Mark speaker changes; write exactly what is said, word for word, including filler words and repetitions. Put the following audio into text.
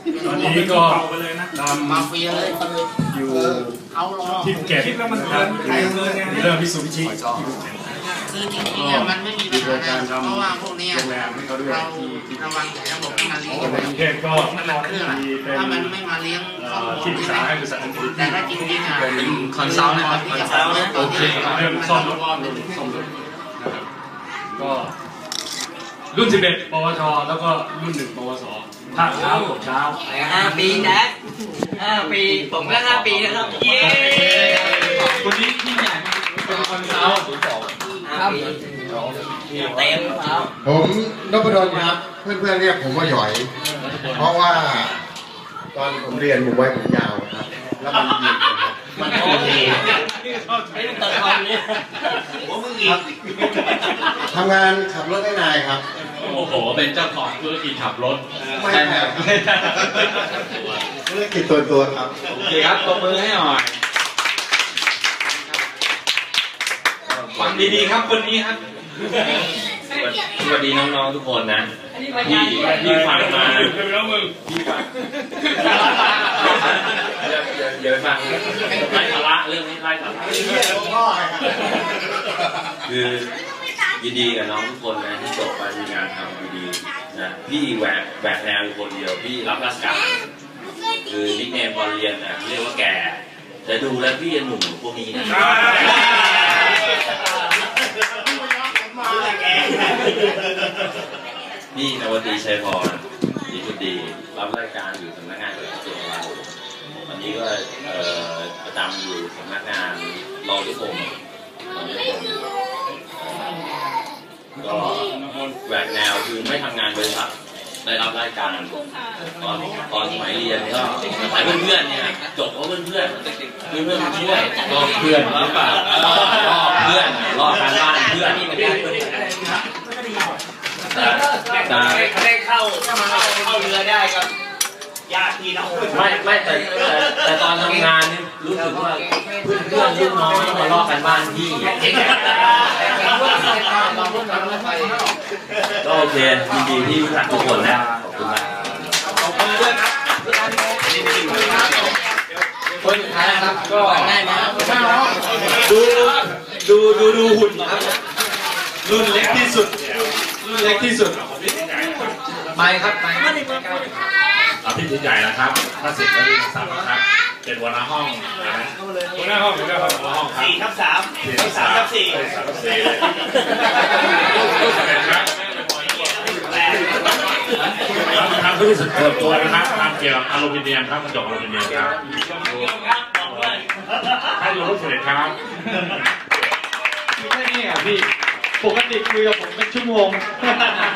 Speaker 1: ตอนนี้ก็ตาม
Speaker 2: มาเฟียเลย
Speaker 1: อยู่ที่ภูเก็ตนะครับเริ่มพิสูจน์พิชิต
Speaker 2: คือจริงๆมันไม่มีปัญหาอะไรเพราะว่าพวกนี้เราระวังระบบที่มาเลี้ยงอยู่
Speaker 1: กรุงเทพก็มีเป็น
Speaker 2: ถ้ามันไม่มาเลี้ยง
Speaker 1: ที่ปรึกษาให้บริษัท
Speaker 2: แต่ถ้าจริงๆอ่ะ
Speaker 3: เป็นคอนซัลท์นะครับคอนซัลท์
Speaker 1: โอเคเรื่องซ่อมรถซ่อมรถนะครับก็รุ่นสิบเอ็ดปวชแล้วก็รุ่นหนึ่งปวสภาคเช้าตกเช้า
Speaker 3: ห้าปีนะห้าปีผมก็ห้าปีนะครับเย้
Speaker 1: คนนี้ที่ใหญ่เป็นคอนซัลท์
Speaker 3: ห้าปีเต็มครับ
Speaker 4: ผมนพดลครับเพื่อนๆเรียกผมว่าหยอยเพราะว่าตอนผมเรียนผมไว้ผมยาวครับแล้วมันหยิก
Speaker 3: มันโอเคไอ้มันตัดคำนี้ผมมึงอีก
Speaker 4: ทำงานขับรถให้นายครับ
Speaker 1: โอ้โหเป็นเจ้าของธุรกิจขับรถ
Speaker 4: ไม่ใช่ครับธุรกิจตัวตัวครับ
Speaker 1: โอเคครับตบมือให้หน่อยฟังดีๆครับคนนี้ครับ
Speaker 5: สวัสดีน้องๆทุกคนนะที่ที่ฟังมาที่ฟังเดี๋ยวฟังไล่สาระเรื่องนี้ไล่สาระคือยินดีกับน้องทุกคนนะที่จบไปมีงานทำดีๆนะพี่แหวกแหวกแนวคนเดียวพี่รับราชการคือนิกเนมตอนเรียนนะเรียกว่าแกแต่ดูแล้วพี่ยังหนุ่มพวกนี้นะนี่นวตีชัยพรดีคุณดีรับราชการอยู่สำนักงานกระทรวงเราตอนนี้ก็ประจำอยู่สำนักงานรอทุกคนรอทุกคนก็แหวกแนวคือไม่ทำงานบริษัทได้รับราชการตอนตอนสมัยเรียนก็สายเพื่อนๆเนี่ยจบเพราะเพื่อนเพื่อนเพื่อนเพื่อนช่วยรอเพื่อนหรือเปล่ารอเพื่อนรอการบ้านเพื่อน
Speaker 3: แต่ได้เข้าเข้าเรือได้ก็ญาติพี่น้อง
Speaker 5: ไม่ไม่แต่แต่ตอนทำงานนี่รู้สึกว่าเพื่อนเพื่อนลูกน้องมาลอกกันบ้านพี่ก็โอเคยินดีที่รู้จักทุกคนนะขอบคุณมาก
Speaker 3: ขอบคุณด้วยครับคนสุดท้ายนะครับก็ง่ายนะดูดูดูดูหุ่นครับรุ่นเล็กที่สุดรุ่นเล็กที่สุดไปครับไป
Speaker 1: อาพี่ใหญ่นะครับถ้าสิบแล้วมีสามครับเป็นหัวหน้าห้องหัวหน้าห้องหัวหน้าห้องหัวหน้าห้อง
Speaker 3: สี่ทับสามสามทับสี่
Speaker 1: สามทับสี่ทำธุรกิจเปิดตัวนะครับทำเกี่ยวกับอลูมิเนียมครับกระจกอลูมิเนียมครับให้ดูรูปเสร็จครับ
Speaker 6: แค่นี้อ่ะพี่ปกติคุยกับผมเป็นชั่วโมง